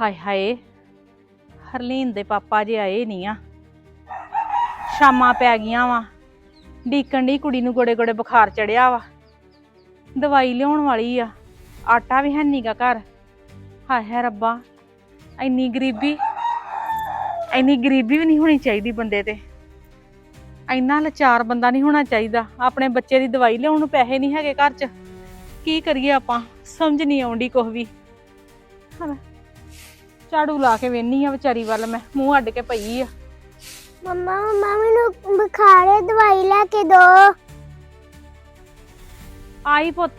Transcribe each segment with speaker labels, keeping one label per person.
Speaker 1: ਹਾਏ ਹਾਏ, ਹਰਲੀਨ ਦੇ ਪਾਪਾ ਜੇ ਆਏ ਨਹੀਂ ਆ। ਸ਼ਾਮਾਂ ਪੈ ਗਈਆਂ ਵਾ, ਡੀਕਣ ਦੀ ਕੁੜੀ ਨੂੰ ਗੋੜੇ ਗੋੜੇ ਬੁਖਾਰ ਚੜਿਆ ਵਾ। ਦਵਾਈ ਲਿਆਉਣ ਵਾਲੀ ਆ, ਆਟਾ ਵੀ ਹੈ ਨੀਗਾ ਘਰ। ਹਾਏ ਹਾਏ ਰੱਬਾ, ਇੰਨੀ ਗਰੀਬੀ ਵੀ ਨਹੀਂ ਹੋਣੀ ਚਾਹੀਦੀ ਬੰਦੇ ਤੇ। ਇੰਨਾ ਲਾਚਾਰ ਬੰਦਾ ਨਹੀਂ ਹੋਣਾ ਚਾਹੀਦਾ। ਆਪਣੇ ਬੱਚੇ ਦੀ ਦਵਾਈ ਲਿਆਉਣ ਨੂੰ ਪੈਸੇ ਨਹੀਂ ਹੈਗੇ ਘਰ 'ਚ। ਕੀ ਕਰੀਏ ਆਪਾਂ, ਸਮਝ ਨਹੀਂ ਆਉਂਦੀ ਕੁਛ ਵੀ। ਝਾੜੂ ਲਾ ਕੇ ਵੇਹਨੀ ਆ ਵਿਚਾਰੀ ਵੱਲ, ਮੈਂ ਮੂੰਹ ਅੱਡ ਕੇ ਪਈ ਆ।
Speaker 2: ਮੰਮਾ ਮੈਨੂੰ ਬੁਖਾਰ ਹੈ, ਦਵਾਈ ਲੈ ਕੇ ਦੋ।
Speaker 1: ਆਈ ਪੁੱਤ।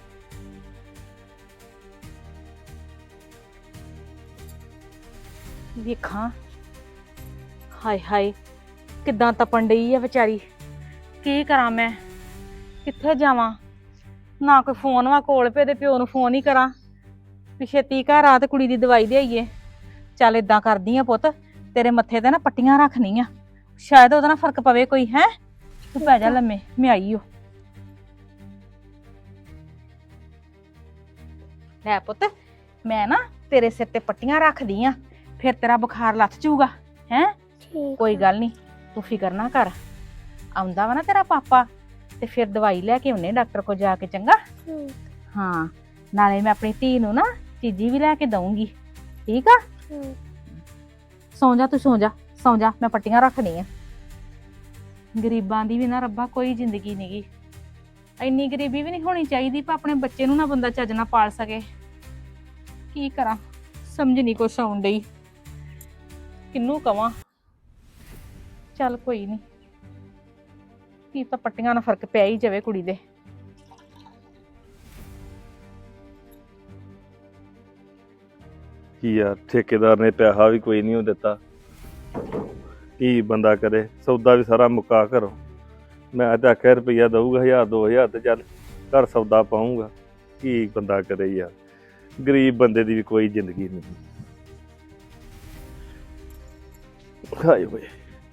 Speaker 1: ਵੇਖਾਂ, ਹਾਏ ਹਾਏ ਕਿੱਦਾਂ ਤਪਣ ਡਈ ਆ ਵਿਚਾਰੀ। ਕੀ ਕਰਾਂ ਮੈਂ, ਕਿੱਥੇ ਜਾਵਾਂ? ਨਾ ਕੋਈ ਫੋਨ ਵਾ ਕੋਲ ਪੇ ਦੇ ਪਿਓ ਨੂੰ ਫੋਨ ਹੀ ਕਰਾਂ ਵੀ ਛੇਤੀ ਘਰ ਆ ਤੇ ਕੁੜੀ ਦੀ ਦਵਾਈ ਲਿਆਈਏ। ਚੱਲ ਏਦਾਂ ਕਰਦੀ ਆ ਪੁੱਤ, ਤੇਰੇ ਮੱਥੇ ਤੇ ਨਾ ਪੱਟੀਆਂ ਰੱਖਣੀ ਆ, ਸ਼ਾਇਦ ਉਹਦਾ ਨਾ ਫਰਕ ਪਵੇ ਕੋਈ। ਹੈ ਤੂੰ ਪੈ ਜਾ ਲੰਮੇ, ਮੈਂ ਆਈ ਓ। ਲੈ ਪੁੱਤ, ਮੈਂ ਨਾ ਤੇਰੇ ਸਿਰ ਤੇ ਪੱਟੀਆਂ ਰੱਖਦੀ ਆ, ਫਿਰ ਤੇਰਾ ਬੁਖਾਰ ਲੱਥ ਜਾਊਗਾ। ਹੈ ਕੋਈ ਗੱਲ ਨਹੀਂ, ਤੂੰ ਫਿਕਰ ਨਾ ਕਰ। ਆਉਂਦਾ ਵਾ ਨਾ ਤੇਰਾ ਪਾਪਾ ਤੇ ਫਿਰ ਦਵਾਈ ਲੈ ਕੇ ਆਉਨੇ ਡਾਕਟਰ ਕੋਲ ਜਾ ਕੇ, ਚੰਗਾ? ਹਾਂ, ਨਾਲੇ ਮੈਂ ਆਪਣੀ ਧੀ ਨੂੰ ਨਾ ਚੀਜ਼ੀ ਵੀ ਲੈ ਕੇ ਦਊਂਗੀ, ਠੀਕ ਆ? ਸੌਂ ਜਾ ਤੂੰ, ਸੌਂ ਜਾ, ਮੈਂ ਪੱਟੀਆਂ ਰੱਖਣੀ ਆ। ਗਰੀਬਾਂ ਦੀ ਵੀ ਨਾ ਰੱਬਾ ਕੋਈ ਜ਼ਿੰਦਗੀ ਨਹੀਂਗੀ। ਇੰਨੀ ਗਰੀਬੀ ਵੀ ਨਹੀਂ ਹੋਣੀ ਚਾਹੀਦੀ ਪਰ ਆਪਣੇ ਬੱਚੇ ਨੂੰ ਨਾ ਬੰਦਾ ਚੱਜ ਨਾਲ ਪਾਲ ਸਕੇ। ਕੀ ਕਰਾਂ, ਸਮਝ ਨਹੀਂ ਕੁਛ ਆਉਣ ਡਈ, ਕਿਹਨੂੰ ਕਵਾਂ। ਚੱਲ ਕੋਈ ਨਹੀਂ, ਕੀ ਤਾਂ ਪੱਟੀਆਂ ਨਾਲ ਫਰਕ ਪਿਆ ਹੀ ਜਾਵੇ ਕੁੜੀ ਦੇ।
Speaker 3: ਕੀ ਆ, ਠੇਕੇਦਾਰ ਨੇ ਪੈਸਾ ਵੀ ਕੋਈ ਨਹੀਂ ਦਿੱਤਾ। ਕੀ ਬੰਦਾ ਕਰੇ, ਸੌਦਾ ਵੀ ਸਾਰਾ ਮੁਕਾ ਘਰੋਂ। ਮੈਂ ਤਾਂ ਆਖਿਆ ਰੁਪਈਆ ਦਊਗਾ 1000-2000 ਤੇ ਚੱਲ ਘਰ ਸੌਦਾ ਪਾਊਂਗਾ। ਕੀ ਬੰਦਾ ਕਰੇ ਯਾਰ, ਗਰੀਬ ਬੰਦੇ ਦੀ ਵੀ ਕੋਈ ਜ਼ਿੰਦਗੀ ਨਹੀਂ। ਹਾਏ ਹੋਏ,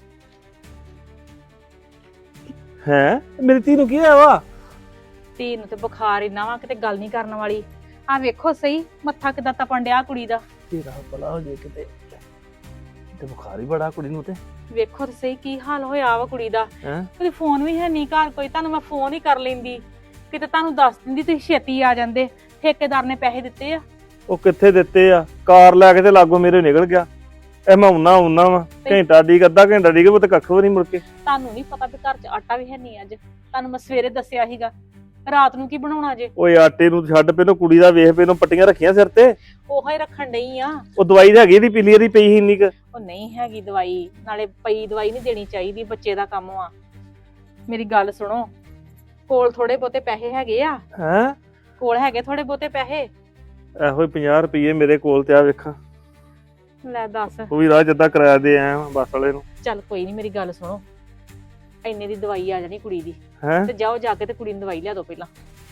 Speaker 3: ਹੈਂ ਮੇਰੀ ਧੀ ਨੂੰ ਕੀ ਹੋਇਆ ਵਾ?
Speaker 1: ਧੀ ਨੂੰ ਤੇ ਬੁਖਾਰ ਇੰਨਾ ਵਾ ਕਿਤੇ ਗੱਲ ਨਹੀਂ ਕਰਨ ਵਾਲੀ। ਆ ਵੇਖੋ ਸਹੀ, ਮੱਥਾ ਕਿੱਦਾਂ ਤਪਣ ਡਿਆ ਕੁੜੀ ਦਾ।
Speaker 3: ਤੇਰਾ ਭਲਾ ਹੋ ਜੇ ਕਿਤੇ, ਤੇ ਬੁਖਾਰ ਹੀ ਬੜਾ ਕੁੜੀ ਨੂੰ ਤੇ।
Speaker 1: ਵੇਖੋ ਤੇ ਸਹੀ ਕੀ ਹਾਲ ਹੋਇਆ ਵਾ ਕੁੜੀ ਦਾ।
Speaker 3: ਹੈਂ
Speaker 1: ਉਹਦੇ ਫੋਨ ਵੀ ਹੈ ਨਹੀਂ ਘਰ ਕੋਈ, ਤੁਹਾਨੂੰ ਮੈਂ ਫੋਨ ਹੀ ਕਰ ਲੈਂਦੀ, ਕਿਤੇ ਤੁਹਾਨੂੰ ਦੱਸ ਦਿੰਦੀ, ਤੁਸੀਂ ਛੇਤੀ ਆ ਜਾਂਦੇ। ਠੇਕੇਦਾਰ ਨੇ ਪੈਸੇ ਦਿੱਤੇ ਆ।
Speaker 3: ਉਹ ਕਿੱਥੇ ਦਿੱਤੇ ਆ? ਕਾਰ ਲੈ ਕੇ ਤੇ ਲਾਗੋਂ ਮੇਰੇ ਨਿਕਲ ਗਿਆ। ਇਹ ਮੈਂ ਆਉਣਾ ਵਾ, ਘੰਟਾ ਡੀਕ, ਅੱਧਾ ਘੰਟਾ ਡੀਕ, ਉਹ ਤੇ ਕੱਖ ਵੀ ਨਹੀਂ ਮੁੜ ਕੇ।
Speaker 1: ਤੁਹਾਨੂੰ ਨਹੀਂ ਪਤਾ ਵੀ ਘਰ 'ਚ ਆਟਾ ਵੀ ਹੈ ਨਹੀਂ ਅੱਜ। ਤੁਹਾਨੂੰ ਮੈਂ ਸਵੇਰੇ ਦੱਸਿਆ ਸੀਗਾ, ਰਾਤ ਨੂੰ ਕੀ ਬਣਾਉਣਾ ਜੇ?
Speaker 3: ਓਏ ਆਟੇ ਨੂੰ ਛੱਡ, ਪਹਿਲੋਂ ਕੁੜੀ ਦਾ ਵੇਖ, ਪਹਿਲੋਂ ਪੱਟੀਆਂ ਰੱਖੀਆਂ ਸਿਰ ਤੇ।
Speaker 1: ਉਹੋ ਹੀ ਰੱਖਣ ਡਈ ਆ।
Speaker 3: ਉਹ ਦਵਾਈ ਤਾਂ ਹੈਗੀ ਇਹਦੀ, ਪੀਲੀ ਇਹਦੀ ਪਈ ਸੀ ਇੰਨੀ ਕੁ।
Speaker 1: ਉਹ ਨਹੀਂ ਹੈਗੀ ਦਵਾਈ, ਨਾਲੇ ਪਈ ਦਵਾਈ ਨਹੀਂ ਦੇਣੀ ਚਾਹੀਦੀ, ਬੱਚੇ ਦਾ ਕੰਮ ਆ। ਮੇਰੀ ਗੱਲ ਸੁਣੋ, ਕੋਲ ਥੋੜੇ ਬਹੁਤੇ ਪੈਸੇ ਹੈਗੇ ਆ?
Speaker 3: ਹੈਂ
Speaker 1: ਕੋਲ ਹੈਗੇ ਥੋੜੇ ਬਹੁਤੇ ਪੈਸੇ?
Speaker 3: ਇਹੋ ਹੀ 50 ਰੁਪਏ ਮੇਰੇ ਕੋਲ ਤੇ ਆ ਵੇਖਾਂ।
Speaker 1: ਲੈ ਦੱਸ।
Speaker 3: ਉਹ ਵੀ ਰਾਹ ਜਿੱਦਾਂ ਕਿਰਾਇਆ ਦੇ ਆਇਆ ਬੱਸ ਵਾਲੇ ਨੂੰ।
Speaker 1: ਚੱਲ ਕੋਈ ਨਹੀਂ, ਮੇਰੀ ਗੱਲ ਸੁਣੋ, ਇੰਨੇ ਦੀ ਦਵਾਈ ਆ ਜਾਣੀ ਕੁੜੀ ਦੀ।
Speaker 3: ਹੈਂ
Speaker 1: ਤੇ ਜਾਓ ਜਾ ਕੇ ਤੇ ਕੁੜੀ ਨੂੰ ਦਵਾਈ ਲਿਆ ਦਿਓ ਪਹਿਲਾਂ।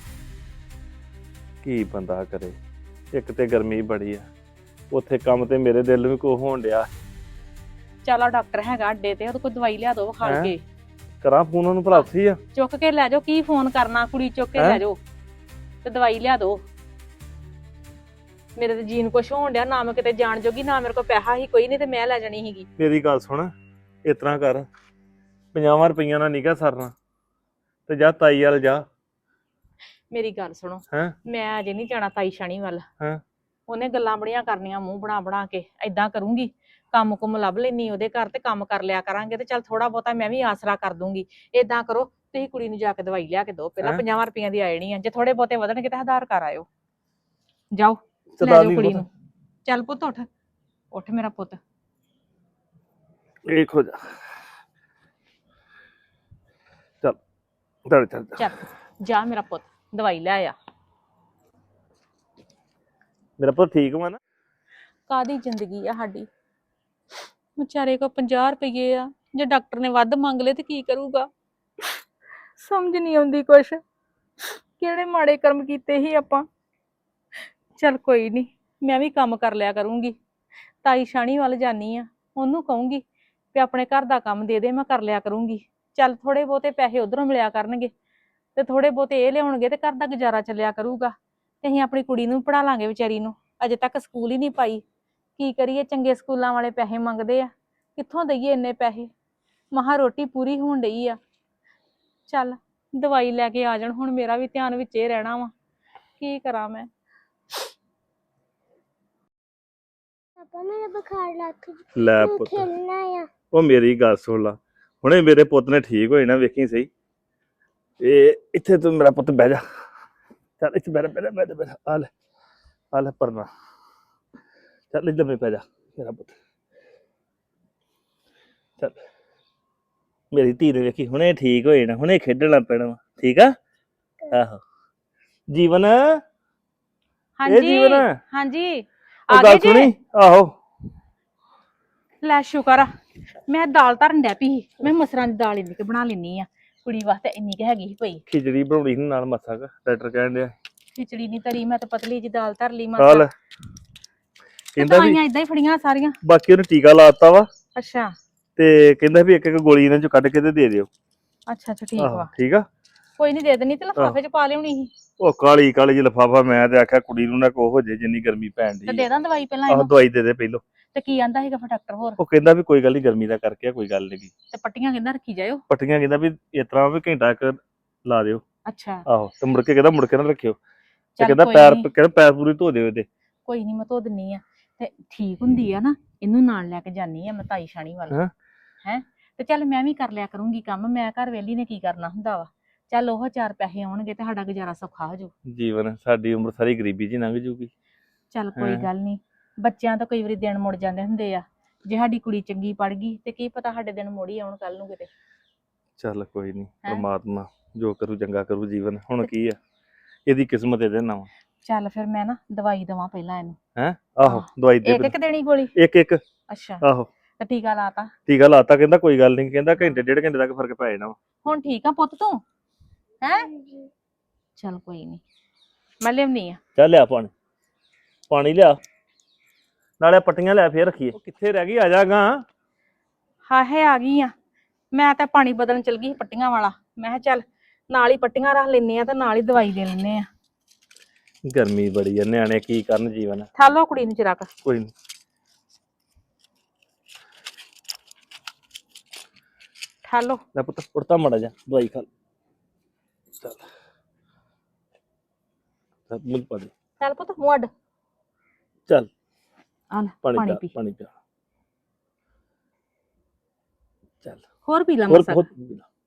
Speaker 3: ਕੀ ਬੰਦਾ ਕਰੇ, ਇੱਕ ਤੇ ਗਰਮੀ ਬੜੀ ਆ, ਉੱਥੇ ਕੰਮ ਤੇ ਮੇਰੇ ਦਿਲ ਨੂੰ ਵੀ ਕੋ ਹੋਣ ਡਿਆ।
Speaker 1: ਚੱਲ ਆ ਡਾਕਟਰ ਹੈਗਾ ਅੱਡੇ ਤੇ, ਉਹਦੇ ਕੋਲ ਦਵਾਈ ਲਿਆ ਦਿਓ ਵਿਖਾਲ ਕੇ।
Speaker 3: ਕਰਾਂ ਫੋਨ ਉਹਨੂੰ, ਭਲਾ ਉੱਥੇ ਹੀ ਆ?
Speaker 1: ਚੁੱਕ ਕੇ ਲੈ ਜਾਓ, ਕੀ ਫੋਨ ਕਰਨਾ, ਕੁੜੀ ਚੁੱਕ ਕੇ ਲੈ ਜਾਓ ਤੇ ਦਵਾਈ ਲਿਆ ਦਿਓ। ਮੇਰੇ ਤੇ ਜੀਨ ਕੁਛ ਹੋਣ ਡਿਆ, ਨਾ ਮੈਂ ਕਿਤੇ ਜਾਣ ਜੋਗੀ, ਨਾ ਮੇਰੇ ਕੋਲ ਪੈਸਾ ਹੀ ਕੋਈ ਨਹੀਂ ਤੇ ਮੈਂ ਲੈ ਜਾਣੀ ਸੀਗੀ।
Speaker 3: ਮੇਰੀ ਗੱਲ ਸੁਣ, ਇਸ ਤਰ੍ਹਾਂ ਕਰ, 50 ਰੁਪਈਆਂ ਨਾਲ ਨਿਕਾ ਸਰਨਾ, ਤੇ ਜਾ ਤਾਈ ਵੱਲ ਜਾ।
Speaker 1: ਮੇਰੀ ਗੱਲ ਸੁਣੋ,
Speaker 3: ਹੈਂ
Speaker 1: ਮੈਂ ਅਜੇ ਨਹੀਂ ਜਾਣਾ ਤਾਈ ਸ਼ਾਨੀ ਵੱਲ।
Speaker 3: ਹੈਂ
Speaker 1: ਉਹਨੇ ਗੱਲਾਂ ਬੜੀਆਂ ਕਰਨੀਆਂ, ਮੂੰਹ ਬਣਾ ਕੇ। ਏਦਾਂ ਕਰੂੰਗੀ, ਕੰਮ ਕੁਮ ਲੱਭ ਲੈਣੀ ਉਹਦੇ ਘਰ ਤੇ ਕੰਮ ਕਰ ਲਿਆ ਕਰਾਂਗੇ, ਤੇ ਚੱਲ ਥੋੜਾ ਬਹੁਤਾ ਮੈਂ ਵੀ ਆਸਰਾ ਕਰ ਦੂੰਗੀ। ਏਦਾਂ ਕਰੋ, ਤੁਸੀਂ ਕੁੜੀ ਨੂੰ ਜਾ ਕੇ ਦਵਾਈ ਲਿਆ ਕੇ ਦਿਓ ਪਹਿਲਾਂ। 50 ਰੁਪਈਆਂ ਦੀ ਆ ਜਾਣੀ ਆ, ਜੇ ਥੋੜੇ ਬਹੁਤੇ ਵਧਣਗੇ ਤਾਂ ਆਧਾਰ ਕਰ ਆਇਓ। ਜਾਓ ਲੈ ਜਾਓ ਕੁੜੀ ਨੂੰ। ਚੱਲ ਪੁੱਤ ਉੱਠ, ਉੱਠ ਮੇਰਾ ਪੁੱਤ।
Speaker 3: ਇਹ ਖੋ ਜਾ, ਚੱਲ ਚੱਲ
Speaker 1: ਚੱਲ ਜਾ ਮੇਰਾ ਪੁੱਤ, ਦਵਾਈ ਲੈ ਆ।
Speaker 3: ਮੇਰਾ ਪੁੱਤ ਠੀਕ ਵਾ ਨਾ?
Speaker 1: ਕਾਹਦੀ ਜ਼ਿੰਦਗੀ ਆ ਸਾਡੀ, ਵਿਚਾਰੇ ਕੋ 50 ਰੁਪਏ ਆ, ਜੇ ਡਾਕਟਰ ਨੇ ਵੱਧ ਮੰਗ ਲਏ ਤੇ ਕੀ ਕਰੂਗਾ? ਸਮਝ ਨਹੀਂ ਆਉਂਦੀ ਕੁਛ, ਕਿਹੜੇ ਮਾੜੇ ਕਰਮ ਕੀਤੇ ਸੀ ਆਪਾਂ। ਚੱਲ ਕੋਈ ਨਹੀਂ, ਮੈਂ ਵੀ ਕੰਮ ਕਰ ਲਿਆ ਕਰੂੰਗੀ। ਤਾਈ ਸ਼ਾਨੀ ਵੱਲ ਜਾਨੀ ਆ, ਉਹਨੂੰ ਕਹੂੰਗੀ ਵੀ ਆਪਣੇ ਘਰ ਦਾ ਕੰਮ ਦੇ ਦੇ, ਮੈਂ ਕਰ ਲਿਆ ਕਰੂੰਗੀ। ਚੱਲ ਥੋੜੇ ਬਹੁਤੇ ਪੈਸੇ ਉਧਰੋਂ ਮਿਲਿਆ ਕਰਨਗੇ ਤੇ ਥੋੜੇ ਬਹੁਤੇ ਇਹ ਲਿਆਉਣਗੇ ਤੇ ਘਰ ਦਾ ਗੁਜ਼ਾਰਾ ਚੱਲਿਆ ਕਰੂਗਾ। ਤੇ ਅਸੀਂ ਆਪਣੀ ਕੁੜੀ ਨੂੰ ਪੜ੍ਹਾ ਲਾਂਗੇ ਵਿਚਾਰੀ ਨੂੰ, ਅਜੇ ਤੱਕ ਸਕੂਲ ਹੀ ਨਹੀਂ ਪਾਈ ਕੀ ਕਰੀਏ, ਚੰਗੇ ਸਕੂਲਾਂ ਵਾਲੇ ਪੈਸੇ ਮੰਗਦੇ ਆ, ਕਿੱਥੋਂ ਦਈਏ ਇੰਨੇ ਪੈਸੇ। ਮਹਾ ਰੋਟੀ ਪੂਰੀ ਹੋਣ ਡਈ ਆ। ਚੱਲ ਦਵਾਈ ਲੈ ਕੇ ਆ ਜਾਣ, ਹੁਣ ਮੇਰਾ ਵੀ ਧਿਆਨ ਵਿੱਚ ਹੀ ਰਹਿਣਾ ਵਾ। ਕੀ ਕਰਾਂ ਮੈਂ।
Speaker 2: ਪਾਪਾ ਮੇਰਾ ਬੁਖਾਰ ਲੱਥ
Speaker 3: ਲੈ ਪੁੱਤ,
Speaker 2: ਖੇਲਣਾ ਆ।
Speaker 3: ਉਹ ਮੇਰੀ ਗੱਲ ਸੁਣ ਲਾ, ਹੁਣੇ ਮੇਰੇ ਪੁੱਤ ਨੇ ਠੀਕ ਹੋਏ ਨਾ, ਵੇਖੀ ਸਹੀ। ਇਹ ਇੱਥੇ ਤੂੰ ਮੇਰਾ ਪੁੱਤ ਬਹਿ ਜਾ, ਚੱਲ ਇੱਥੇ ਬਹਿ ਆ ਲੈ ਪਰਨਾ, ਚੱਲ ਇੱਧਰ ਪੈ ਜਾ ਮੇਰਾ ਪੁੱਤ। ਚੱਲ ਮੇਰੀ ਧੀ ਨੇ ਵੇਖੀ ਹੁਣੇ ਠੀਕ ਹੋਏ ਨਾ, ਹੁਣੇ ਖੇਡਣਾ ਪੈਣਾ ਵਾ, ਠੀਕ ਆ। ਆਹੋ ਜੀਵਨ, ਇਹ
Speaker 1: ਹਾਂਜੀ
Speaker 3: ਜੀਵਨ
Speaker 1: ਹਾਂਜੀ,
Speaker 3: ਉਹ
Speaker 1: ਆ
Speaker 3: ਗੱਲ
Speaker 1: ਗਏ
Speaker 3: ਸੁਣੀ।
Speaker 1: ਜੀ।
Speaker 3: ਆਹੋ
Speaker 1: ਲੈ ਸ਼ੁਕਰ ਆ, ਮੈਂ ਦਾਲ ਧਰਨ ਡੈ ਪਈ ਸੀ। ਮੈਂ ਮਸਰਾਂ ਦੀ ਦਾਲ ਇੰਨੀ ਕੁ ਬਣਾ ਲੈਣੀ ਆ, ਕੁੜੀ ਵਾਸਤੇ ਇੰਨੀ ਕੁ ਹੈਗੀ ਸੀ ਪਈ।
Speaker 3: ਖਿਚੜੀ ਬਣਾਉਣੀ ਸੀ ਨਾਲ ਮੱਥਾ ਕ ਡਾਕਟਰ ਕਹਿਣ ਡਿਆ।
Speaker 1: ਖਿਚੜੀ ਨਹੀਂ ਤਰੀ, ਮੈਂ ਤਾਂ ਪਤਲੀ ਜੀ ਦਾਲ ਧਰ ਲਈ
Speaker 3: ਆ
Speaker 1: ਮਸਾਂ।
Speaker 3: ਲੈ ਕਹਿੰਦਾ ਵੀ
Speaker 1: ਦਵਾਈਆਂ ਇਦਾਂ ਹੀ ਫੜੀਆਂ ਸਾਰੀਆਂ।
Speaker 3: ਬਾਕੀ ਉਹਨੇ ਟੀਕਾ ਲਾਤਾ ਵਾ,
Speaker 1: ਅੱਛਾ
Speaker 3: ਤੇ ਕਹਿੰਦਾ ਵੀ ਇੱਕ ਇੱਕ ਗੋਲੀ ਇਹਨਾਂ ਚੋਂ ਕੱਢ ਕੇ ਤੇ ਦੇ ਦਿਓ।
Speaker 1: ਅੱਛਾ ਅੱਛਾ, ਠੀਕ
Speaker 3: ਆਹੋ
Speaker 1: ਵਾ।
Speaker 3: ਠੀਕ ਆ।
Speaker 1: ਕੋਈ ਨਹੀਂ, ਦੇ ਦੇਣੀ ਤੇ ਲਿਫਾਫੇ 'ਚ ਪਾ ਲਿਆਉਣੀ ਸੀ।
Speaker 3: ਉਹ ਕਾਲੀ ਕਾਲੀ ਜਿਹੀ ਲਿਫਾਫਾ, ਮੈਂ ਤੇ ਆਖਿਆ ਕੁੜੀ ਨੂੰ ਨਾ ਕੋ ਹੋ ਜੇ, ਜਿੰਨੀ ਗਰਮੀ ਪੈਣ
Speaker 1: ਤੇ
Speaker 3: ਦੀ।
Speaker 1: ਦੇ ਦਾਂ ਦਵਾਈ ਪਹਿਲਾਂ
Speaker 3: ਆਹੋ
Speaker 1: ਇਹਨੂੰ।
Speaker 3: ਦਵਾਈ ਦੇ ਦੇ ਪਹਿਲੋਂ।
Speaker 1: ਤੇ ਕੀ ਆਂਦਾ ਸੀਗਾ ਫਿਰ ਡਾਕਟਰ ਹੋਰ?
Speaker 3: ਉਹ ਕਹਿੰਦਾ ਵੀ ਕੋਈ ਗੱਲ ਨਹੀਂ, ਗਰਮੀ ਦਾ ਕਰਕੇ ਆ, ਕੋਈ ਗੱਲ ਨਹੀਂ।
Speaker 1: ਤੇ ਪੱਟੀਆਂ ਕਹਿੰਦਾ ਰੱਖੀ ਜਾਇਓ।
Speaker 3: ਪੱਟੀਆਂ ਕਹਿੰਦਾ ਵੀ ਇਸ ਤਰ੍ਹਾਂ ਵੀ ਘੰਟਾ ਇੱਕ ਲਾ ਦਿਓ।
Speaker 1: ਅੱਛਾ
Speaker 3: ਆਹੋ ਤੇ ਮੁੜ ਕੇ ਕਹਿੰਦਾ ਮੁੜ ਕੇ ਨਾ ਰੱਖਿਓ, ਤੇ
Speaker 1: ਚੱਲ
Speaker 3: ਕਹਿੰਦਾ
Speaker 1: ਕੋਈ
Speaker 3: ਪੈਰ,
Speaker 1: ਨੀ।
Speaker 3: ਕਹਿੰਦਾ ਪੈਰ ਪੂਰੀ ਧੋ ਦਿਓ ਇਹਦੇ।
Speaker 1: ਕੋਈ ਨਹੀਂ, ਮੈਂ ਧੋ ਦਿੰਨੀ ਆ। ਤੇ ਠੀਕ ਹੁੰਦੀ ਆ ਨਾ, ਇਹਨੂੰ ਨਾਲ ਲੈ ਕੇ ਜਾਨੀ ਆ ਮੈਂ ਤਾਈ ਸ਼ਾਣੀ ਵੱਲ।
Speaker 3: ਹੈਂ?
Speaker 1: ਹੈ ਤੇ ਚੱਲ ਮੈਂ ਵੀ ਕਰ ਲਿਆ ਕਰੂੰਗੀ ਕੰਮ, ਮੈਂ ਘਰ ਵੇਲੀ ਨੇ ਕੀ ਕਰਨਾ ਹੁੰਦਾ ਵਾ। ਚੱਲ ਉਹ 4 ਪੈਸੇ ਆਉਣਗੇ ਤੇ ਸਾਡਾ ਗੁਜ਼ਾਰਾ ਸੌਖਾ ਹੋ ਜਾਊ।
Speaker 3: ਜੀਵਨ, ਸਾਡੀ ਉਮਰ ਸਾਰੀ ਗਰੀਬੀ 'ਚ ਹੀ ਲੰਘ ਜੂਗੀ।
Speaker 1: ਚੱਲ ਕੋਈ
Speaker 3: ਹੈਂ?
Speaker 1: ਗੱਲ ਨਹੀਂ, ਬੱਚਿਆਂ ਤਾਂ ਕਈ ਵਾਰੀ ਦਿਨ ਮੁੜ ਜਾਂਦੇ ਹੁੰਦੇ ਆ। ਜੇ ਸਾਡੀ ਕੁੜੀ ਚੰਗੀ ਪੜ ਗਈ ਤੇ ਕੀ ਪਤਾ ਸਾਡੇ ਦਿਨ ਮੁੜ ਹੀ ਆਉਣ ਕੱਲ ਨੂੰ ਕਿਤੇ।
Speaker 3: ਚੱਲ ਕੋਈ ਨਹੀਂ,
Speaker 1: ਹੈਂ?
Speaker 3: ਪਰਮਾਤਮਾ ਜੋ ਕਰੂ ਚੰਗਾ ਕਰੂ। ਜੀਵਨ ਹੁਣ ਕੀ ਆ, ਇਹਦੀ ਕਿਸਮਤ ਇਹਦੇ ਨਾਲ ਵਾ।
Speaker 1: ਚੱਲ ਫਿਰ ਮੈਂ ਨਾ ਦਵਾਈ ਦਵਾਂ ਪਹਿਲਾਂ ਇਹਨੂੰ।
Speaker 3: ਹੈ ਆਹੋ ਦਵਾਈ ਦੇ
Speaker 1: ਇੱਕ ਇੱਕ ਦੇਣੀ ਗੋਲੀ?
Speaker 3: ਇੱਕ ਇੱਕ।
Speaker 1: ਅੱਛਾ
Speaker 3: ਆਹੋ
Speaker 1: ਤੇ ਟੀਕਾ ਲਾਤਾ?
Speaker 3: ਟੀਕਾ ਲਾਤਾ, ਕਹਿੰਦਾ ਕੋਈ ਗੱਲ ਨਹੀਂ, ਕਹਿੰਦਾ ਘੰਟੇ ਡੇਢ ਘੰਟੇ ਤੱਕ ਫਰਕ ਪੈ ਜਾਣਾ ਵਾ।
Speaker 1: ਹੁਣ ਠੀਕ ਆ ਪੁੱਤ ਤੂੰ? ਹੈ ਚੱਲ ਕੋਈ ਨਹੀਂ, ਮੈਂ ਲਿਆਉਣੀ ਆ।
Speaker 3: ਚੱਲ ਲਿਆ ਪਾਣੀ, ਪਾਣੀ ਲਿਆ, ਨਾਲੇ ਪੱਟੀਆਂ ਲੈ ਫੇਰ ਰੱਖੀਏ। ਉਹ ਕਿੱਥੇ ਰਹਿ ਗਈ, ਆ ਜਾਗਾ।
Speaker 1: ਹਾਏ ਆ ਗਈ ਆ। ਮੈਂ ਤਾਂ ਪਾਣੀ ਬਦਲਣ ਚਲ ਗਈ ਸੀ ਪੱਟੀਆਂ ਵਾਲਾ। ਮੈਂ ਕਿਹਾ ਚੱਲ ਨਾਲ ਹੀ ਪੱਟੀਆਂ ਰੱਖ ਲੈਨੇ ਆ ਤੇ ਨਾਲ ਹੀ ਦਵਾਈ ਦੇ ਲੈਨੇ ਆ।
Speaker 3: ਗਰਮੀ ਬੜੀ ਆ, ਨਿਆਣੇ ਕੀ ਕਰਨ। ਜੀਵਨ
Speaker 1: ਥਾ ਲਓ ਕੁੜੀ ਨੂੰ ਚਿਰਾਕ।
Speaker 3: ਕੋਈ ਨੀ।
Speaker 1: ਠਾ ਲਓ।
Speaker 3: ਲੈ ਪੁੱਤ ਉੜਤਾ ਮੜਾ ਜਾ, ਦਵਾਈ ਖਾ ਲੈ। ਚੱਲ ਮੁੱਲ ਪਾ ਦੇ।
Speaker 1: ਚੱਲ ਪੁੱਤ ਮੂੰਹ ਅੱਡ।
Speaker 3: ਚੱਲ
Speaker 1: ਆ ਲੈ
Speaker 3: ਪਾਣੀ
Speaker 1: ਪਾਣੀ
Speaker 3: ਪਿਆ,
Speaker 1: ਪੀ।
Speaker 3: ਪਾਣੀ ਪਿਆ। ਚੱਲ
Speaker 1: ਹੋਰ ਪੀ ਲਾ
Speaker 3: ਹੋਰ
Speaker 1: ਮਸਾ।
Speaker 3: ਬਹੁਤ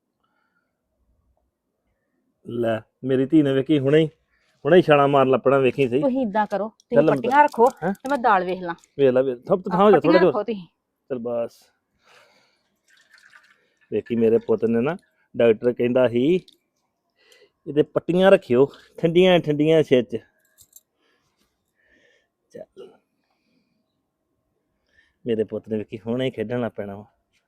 Speaker 3: ਲੈ ਮੇਰੀ ਧੀ ਨੇ ਵੇਖੀ ਹੁਣੇ ਹੀ ਛਾਲਾ ਮਾਰ ਲੱਪਣਾ, ਵੇਖੀ ਸਹੀ।
Speaker 1: ਤੁਸੀਂ ਇਦਾਂ ਕਰੋ, ਤੁਸੀਂ
Speaker 3: ਚੱਲ
Speaker 1: ਪੱਟੀਆਂ ਰੱਖੋ
Speaker 3: ਹੈਂ?
Speaker 1: ਤੇ ਮੈਂ ਦਾਲ ਵੇਖ ਲਾਂ।
Speaker 3: ਵੇਖ ਲੈ ਸਭ ਤੋਂ ਥਾਂ ਹੋ ਜਾ ਥੋੜਾ
Speaker 1: ਪੱਟੀਆਂ
Speaker 3: ਜਿਹਾ।
Speaker 1: ਰੱਖੋ ਤੁਸੀਂ।
Speaker 3: ਚੱਲ ਬਸ ਵੇਖੀ ਮੇਰੇ ਪੁੱਤ ਨੇ ਨਾ, ਡਾਕਟਰ ਕਹਿੰਦਾ ਸੀ ਇਹਦੇ ਪੱਟੀਆਂ ਰੱਖਿਓ ਠੰਡੀਆਂ ਠੰਡੀਆਂ ਸਿਰ 'ਚ। ਚੱਲ ਮੇਰੇ ਪੁੱਤ ਨੇ ਵੇਖੀ ਹੁਣੇ ਹੀ ਖੇਡਣ ਲੱਗ ਪੈਣਾ ਵਾ।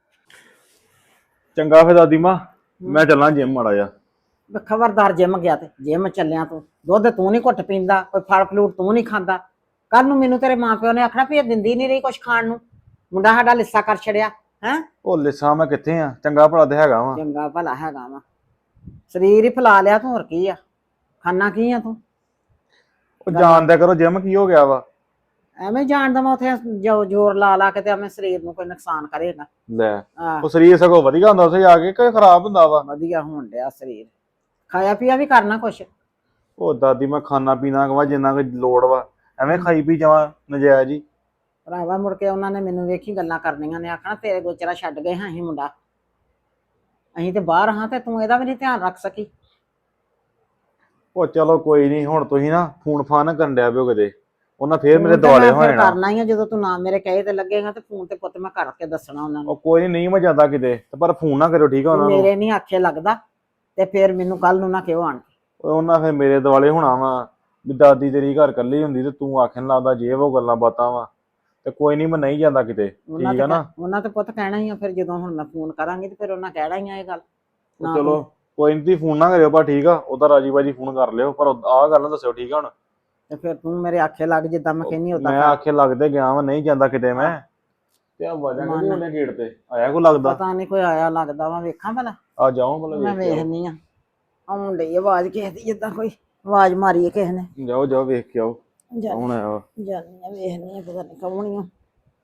Speaker 4: ਚੰਗਾ ਫਿਰ ਦਾਦੀ ਮਾਂ, ਮੈਂ ਚੱਲਾਂ ਜਿਮ ਮਾੜਾ ਜਾ।
Speaker 5: ਖਬਰਦਾਰ ਜਿਮ ਗਿਆ ਤੇ ਜਿਮ ਚੱਲਿਆ ਤੂੰ। ਦੁੱਧ ਤੂੰ ਨਹੀਂ ਘੁੱਟ ਪੀਂਦਾ, ਕੋਈ ਫਲ ਫਲੂਟ ਤੂੰ ਨਹੀਂ ਖਾਂਦਾ। ਕੱਲ ਨੂੰ ਮੈਨੂੰ ਤੇਰੇ ਮਾਂ ਪਿਓ ਨੇ ਆਖਣਾ ਵੀ ਇਹ ਦਿੰਦੀ ਨਹੀਂ ਰਹੀ ਕੁਛ ਖਾਣ ਨੂੰ, ਮੁੰਡਾ ਸਾਡਾ ਲਿੱਸਾ ਕਰ ਛੜਿਆ ਹੈ।
Speaker 4: ਉਹ ਲਿਸਾ ਮੈਂ ਕਿੱਥੇ ਆ, ਚੰਗਾ ਭਲਾ ਤੇ ਹੈਗਾ ਵਾ।
Speaker 5: ਚੰਗਾ ਭਲਾ ਹੈਗਾ ਵਾ, ਸਰੀਰ ਹੀ ਫੁਲਾ ਲਿਆ ਤੂੰ, ਹੋਰ ਕੀ ਆ, ਖਾਣਾ ਕੀ ਆ ਤੂੰ।
Speaker 4: ਉਹ ਜਾਣਦਿਆ ਕਰੋ ਜਿਮ ਕੀ ਹੋ ਗਿਆ ਵਾ।
Speaker 5: ਐਵੇਂ ਜਾਣਦਾ ਮੈਂ ਉੱਥੇ ਜ਼ੋਰ ਲਾ ਲਾ ਕੇ ਤੇ ਐਵੇਂ ਸਰੀਰ ਨੂੰ ਕੋਈ ਨੁਕਸਾਨ ਕਰੇਗਾ।
Speaker 4: ਲੈ
Speaker 5: ਆਹ
Speaker 4: ਉਹ ਸਰੀਰ ਸਗੋਂ ਵਧੀਆ ਹੁੰਦਾ ਉੱਥੇ ਜਾ ਕੇ, ਕਿ ਖਰਾਬ ਹੁੰਦਾ ਵਾ।
Speaker 5: ਵਧੀਆ ਹੋਣ ਡਿਆ ਸਰੀਰ, ਖਾਇਆ ਪੀਆ ਵੀ ਕਰਨਾ ਕੁਛ।
Speaker 4: ਉਹ ਦਾਦੀ ਮੈਂ ਖਾਣਾ ਪੀਣਾ ਵਾ ਜਿੰਨਾ ਕੁ ਲੋੜ ਵਾ, ਐਵੇਂ ਖਾਈ ਪੀ ਜਾਵਾਂ ਨਜਾਇਜ਼ ਹੀ।
Speaker 5: ਭਰਾਵਾ ਮੁੜ ਕੇ ਉਹਨਾਂ ਨੇ ਮੈਨੂੰ ਵੇਖੀ ਗੱਲਾਂ ਕਰਨੀਆਂ ਨੇ, ਆਖਣਾ ਤੇਰੇ ਗੋਚਰਾ ਛੱਡ ਗਏ ਹਾਂ ਅਸੀਂ ਮੁੰਡਾ, ਅਸੀਂ ਤੇ ਬਾਹਰ ਹਾਂ ਤੇ ਤੂੰ ਇਹਦਾ ਵੀ ਨਹੀਂ ਧਿਆਨ ਰੱਖ ਸਕੀ।
Speaker 4: ਉਹ ਚਲੋ ਕੋਈ ਨਹੀਂ, ਹੁਣ ਤੁਸੀਂ ਨਾ ਫੋਨ ਫਾਨ ਕਰਨ ਡਿਆ ਪਿਓ ਕਿਤੇ, ਉਹਨਾਂ ਫੇਰ ਮੇਰੇ
Speaker 5: ਫੋਨ ਤੇ
Speaker 4: ਦੁਆਲੇ
Speaker 5: ਮੈਂ
Speaker 4: ਹੋ
Speaker 5: ਫਿਰ
Speaker 4: ਜਾਣਾ।
Speaker 5: ਕਰਨਾ ਹੀ ਆ, ਜਦੋਂ ਤੂੰ ਨਾ ਮੇਰੇ ਕਹੇ ਤੇ ਲੱਗੇਗਾ ਤੇ ਫੋਨ ਤੇ ਪੁੱਤ ਮੈਂ ਕਰਕੇ ਦੱਸਣਾ ਉਹਨਾਂ ਨੂੰ।
Speaker 4: ਉਹ ਕੋਈ ਨਹੀਂ ਮੈਂ ਜਾਂਦਾ ਕਿਤੇ, ਤੇ ਪਰ ਫੋਨ ਨਾ ਕਰਿਓ ਠੀਕ ਆ ਉਹਨਾਂ ਨੂੰ।
Speaker 5: ਮੇਰੇ ਨਹੀਂ ਆਖੇ ਲੱਗਦਾ ਤੇ ਫਿਰ ਮੈਨੂੰ ਕੱਲ ਨੂੰ ਨਾ ਕਿਉਂ ਆਣ ਕੇ।
Speaker 4: ਉਹਨਾਂ ਫਿਰ ਮੇਰੇ ਦੁਆਲੇ ਹੋਣਾ ਵਾ ਵੀ ਦਾਦੀ ਤੇਰੀ ਘਰ ਇਕੱਲੀ ਹੁੰਦੀ ਤੇ ਤੂੰ ਆਖਣ ਲੱਗਦਾ ਜੇ ਉਹ ਗੱਲਾਂ ਬਾਤਾਂ ਵਾ। ਤੇ ਕੋਈ ਨਹੀਂ ਮੈਂ ਨਹੀਂ ਜਾਂਦਾ ਕਿਤੇ, ਠੀਕ ਆ ਨਾ।
Speaker 5: ਉਹਨਾਂ ਤੇ ਪੁੱਤ ਕਹਿਣਾ ਹੀ ਆ, ਫਿਰ ਜਦੋਂ ਹੁਣ ਮੈਂ ਫੋਨ ਕਰਾਂਗੀ ਤੇ ਫਿਰ ਉਹਨਾਂ ਕਹਿਣਾ ਹੀ ਆ ਇਹ ਗੱਲ। ਨਾ
Speaker 4: ਚਲੋ ਕੋਈ ਨਹੀਂ, ਤੁਸੀਂ ਫੋਨ ਨਾ ਕਰਿਓ ਪਰ ਠੀਕ ਆ, ਉਹਦਾ ਰਾਜੀ ਬਾਜੀ ਫੋਨ ਕਰ ਲਿਓ, ਪਰ ਆਹ ਗੱਲ ਨਾ ਦੱਸਿਓ ਠੀਕ ਆ ਹੁਣ।
Speaker 5: ਤੇ ਫਿਰ ਤੂੰ ਮੇਰੇ ਆਖੇ ਲੱਗ ਜਿੱਦਾਂ ਮੈਂ ਕਹਿੰਨੀ ਉਦਾਂ
Speaker 4: ਮੈਂ
Speaker 5: ਕਰ।
Speaker 4: ਆਖੇ ਲੱਗਦੇ ਗਿਆ ਵਾ, ਨਹੀਂ ਜਾਂਦਾ ਕਿਤੇ ਮੈਂ। ਤੇ ਆ ਵਾਜਾਂ ਕਿਹਦੀ ਉਹਨੇ ਗੇਟ ਤੇ ਆਇਆ ਕੋ ਲੱਗਦਾ।
Speaker 5: ਪਤਾ ਨਹੀਂ ਕੋਈ ਆਇਆ ਲੱਗਦਾ ਵਾ, ਵੇਖਾਂ ਭਲਾ।
Speaker 4: ਆ ਜਾਓ ਭਲਾ
Speaker 5: ਮੈਂ
Speaker 4: ਵੇਖ ਕੇ
Speaker 5: ਵੇਖਨੀ ਆ, ਆਉਣ ਡਈ ਆਵਾਜ਼ ਕਿਸੇ ਦੀ, ਜਿੱਦਾਂ ਕੋਈ ਆਵਾਜ਼ ਮਾਰੀ ਹੈ ਕਿਸੇ ਨੇ।
Speaker 4: ਜਾਓ ਜਾਓ ਵੇਖ ਕੇ ਆਓ। ਕੌਣ ਆਇਆ ਵਾ?
Speaker 5: ਜਾਨੀ ਆ ਵੇਖਨੀ ਆ ਪਤਾ ਨਹੀਂ ਕੌਣ ਆ।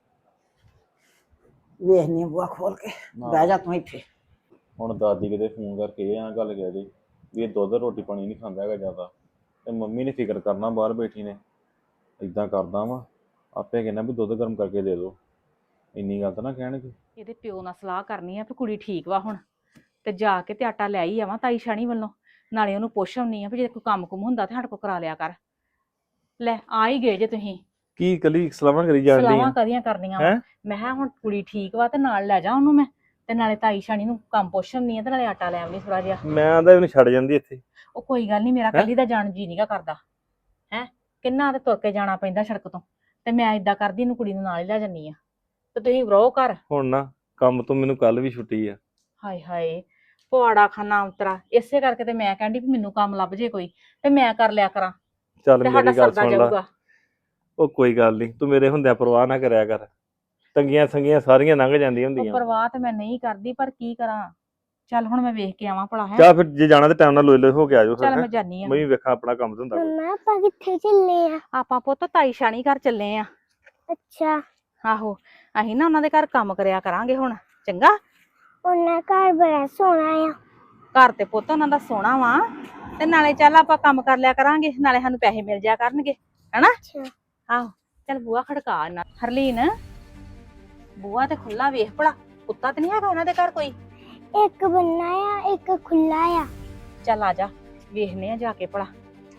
Speaker 5: ਵੇਖਨੀ ਆ ਬੂਆ ਖੋਲ ਕੇ। ਬਹਿ ਜਾ ਤੂੰ ਇੱਥੇ।
Speaker 4: ਹੁਣ ਦਾਦੀ ਕਿਤੇ ਫੋਨ ਕਰਕੇ ਇਹ ਗੱਲ ਕਹਿ ਦੇ ਵੀ ਇਹ ਦੁੱਧ ਰੋਟੀ ਪਾਣੀ ਨਹੀਂ ਖਾਂਦਾ ਹੈਗਾ ਜ਼ਿਆਦਾ, ਤੇ ਮੰਮੀ ਨੇ ਫਿਕਰ ਕਰਨਾ ਬਾਹਰ ਬੈਠੀ ਨੇ। ਇਦਾਂ ਕਰਦਾ ਵਾ ਆਪੇ ਕਹਿੰਦਾ ਵੀ ਦੁੱਧ ਗਰਮ ਕਰਕੇ ਦੇ ਦਿਓ, ਇੰਨੀ ਗੱਲ ਤਾਂ ਨਾ ਕਹਿਣਗੇ।
Speaker 1: ਇਹਦੇ ਪਿਓ ਨਾਲ ਸਲਾਹ ਕਰਨੀ ਆ ਵੀ ਕੁੜੀ ਠੀਕ ਵਾ ਹੁਣ, ਤੇ ਜਾ ਕੇ ਤੇ ਆਟਾ ਲੈ ਹੀ ਆਵਾਂ ਤਾਈ ਸ਼ਾਨੀ ਵੱਲੋਂ, ਨਾਲੇ ਉਹਨੂੰ ਪੁੱਛ ਆਉਣੀ ਆ ਵੀ ਜੇ ਕੋਈ ਕੰਮ ਕੁਮ ਹੁੰਦਾ ਤੇ ਸਾਡੇ ਕੋਲ ਕਰਾ ਲਿਆ ਕਰ। ਲੈ ਆ ਹੀ ਗਏ ਜੇ ਤੁਸੀਂ।
Speaker 3: ਕੀ ਇਕੱਲੀ ਸਲਾਹਾਂ ਕਰੀ ਜਾਂਦੀ
Speaker 1: ਸਲਾਹਾਂ
Speaker 3: ਆ?
Speaker 1: ਕਦੀਆਂ ਕਰਨੀਆਂ ਵਾ।
Speaker 3: ਹੈਂ?
Speaker 1: ਮੈਂ ਕਿਹਾ ਹੁਣ ਕੁੜੀ ਠੀਕ ਵਾ ਤੇ ਨਾਲ ਲੈ ਜਾ ਉਹਨੂੰ ਮੈਂ, ਤੇ ਨਾਲੇ ਤਾਈ ਸ਼ਾਨੀ ਨੂੰ ਕੰਮ ਪੁੱਛ ਆਉਣੀ ਆ ਤੇ ਨਾਲੇ ਆਟਾ ਲੈ ਆਉਣੀ ਥੋੜਾ ਜਿਹਾ।
Speaker 3: ਮੈਂ ਆਂਦਾ ਇਹਨੂੰ ਛੱਡ ਜਾਂਦੀ ਇੱਥੇ।
Speaker 1: ਉਹ ਕੋਈ ਗੱਲ ਨਹੀਂ, ਮੇਰਾ ਕੱਲੀ ਦਾ ਜਾਣ ਜੀ ਨੀਗਾ ਕਰਦਾ ਹੈ, ਕਿੰਨਾ ਤੇ ਤੁਰ ਕੇ ਜਾਣਾ ਪੈਂਦਾ ਸੜਕ ਤੋਂ, ਤੇ ਮੈਂ ਇਦਾਂ ਕਰਦੀ ਇਹਨੂੰ ਕੁੜੀ ਨੂੰ ਨਾਲ ਹੀ ਲੈ ਜੰਨੀ ਆ, ਤੇ ਤੁਸੀਂ ਰਹੋ ਘਰ।
Speaker 3: ਹੁਣ ਨਾ ਕੰਮ ਤੋਂ ਮੈਨੂੰ ਕੱਲ ਵੀ ਛੁੱਟੀ ਆ।
Speaker 1: ਹਾਏ ਹਾਏ ਪਵਾੜਾ ਖਾਨਾ ਉਤਰਾ, ਇਸੇ ਕਰਕੇ ਤੇ ਮੈਂ ਕਹਿੰਦੀ ਵੀ ਮੈਨੂੰ ਕੰਮ ਲੱਭ ਜੇ ਕੋਈ ਤੇ ਮੈਂ ਕਰ ਲਿਆ ਕਰਾਂ
Speaker 3: ਚੱਲ
Speaker 1: ਤੇ ਸਾਡਾ
Speaker 3: ਮੇਰੀ ਗੱਲ
Speaker 1: ਸਰਦਾ
Speaker 3: ਸੁਣ ਲਾ।
Speaker 1: ਜਾਊਗਾ।
Speaker 3: ਉਹ ਕੋਈ ਗੱਲ ਨਹੀਂ, ਤੂੰ ਮੇਰੇ ਹੁੰਦਿਆਂ ਪਰਵਾਹ ਨਾ ਕਰਿਆ ਕਰ। ਤੰਗੀਆਂ ਸੰਗੀਆਂ ਸਾਰੀਆਂ ਲੰਘ ਜਾਂਦੀਆਂ
Speaker 1: ਉਹ
Speaker 3: ਹੁੰਦੀਆਂ।
Speaker 1: ਪਰਵਾਹ ਤੇ ਮੈਂ ਨਹੀਂ ਕਰਦੀ, ਪਰ ਕੀ ਕਰਾਂ। ਚੱਲ ਹੁਣ ਮੈਂ ਵੇਖ ਕੇ ਆਵਾਂ ਭਲਾ ਹੈ।
Speaker 3: ਚੱਲ ਫਿਰ ਜੇ ਜਾਣਾ ਤੇ ਟਾਈਮ ਨਾਲ ਲੋਏ ਲੋਏ ਹੋ ਕੇ ਆ ਜਾਓ ਫਿਰ।
Speaker 1: ਚੱਲ
Speaker 3: ਹੈਂ?
Speaker 1: ਮੈਂ ਜਾਨੀ ਆ।
Speaker 3: ਮੈਂ ਵੀ ਵੇਖਾਂ ਆਪਣਾ ਕੰਮ ਧੰਦਾ ਕੋਈ।
Speaker 2: ਮੰਮਾ ਆਪਾਂ ਕਿੱਥੇ ਚੱਲੇ ਆ?
Speaker 1: ਆਪਾਂ ਪੁੱਤ ਤਾਈ ਸ਼ਾਨੀ ਘਰ ਚੱਲੇ ਆ।
Speaker 2: ਅੱਛਾ,
Speaker 1: ਆਹੋ ਅਸੀਂ ਨਾ ਉਹਨਾਂ ਦੇ ਘਰ ਕੰਮ ਕਰਿਆ ਕਰਾਂਗੇ ਹੁਣ, ਚੰਗਾ।
Speaker 2: ਉਹਨਾਂ ਘਰ ਬੜਾ ਸੋਹਣਾ ਆ।
Speaker 1: ਘਰ ਤੇ ਪੁੱਤ ਉਹਨਾਂ ਦਾ ਸੋਹਣਾ ਵਾ, ਤੇ ਨਾਲੇ ਚੱਲ ਆਪਾਂ ਕੰਮ ਕਰ ਲਿਆ ਕਰਾਂਗੇ, ਨਾਲੇ ਸਾਨੂੰ ਪੈਸੇ ਮਿਲ ਜਾਇਆ ਕਰਨਗੇ, ਹਨਾ।
Speaker 2: ਅੱਛਾ,
Speaker 1: ਆਹੋ ਚੱਲ ਬੂਆ ਖੜਕਾ ਇਹਨਾਂ। ਹਰਲੀਨ ਬੂਆ ਤੇ ਖੁੱਲਾ ਵੇਖ ਭਲਾ, ਕੁੱਤਾ ਤੇ ਨਹੀਂ ਹੈਗਾ ਉਹਨਾਂ ਦੇ ਘਰ ਕੋਈ?
Speaker 2: ਇੱਕ ਬੰਨਾ ਆ ਇੱਕ ਖੁੱਲਾ ਆ।
Speaker 1: ਚੱਲ ਆ ਜਾ ਵੇਖਨੇ ਆ ਜਾ ਕੇ ਭਲਾ।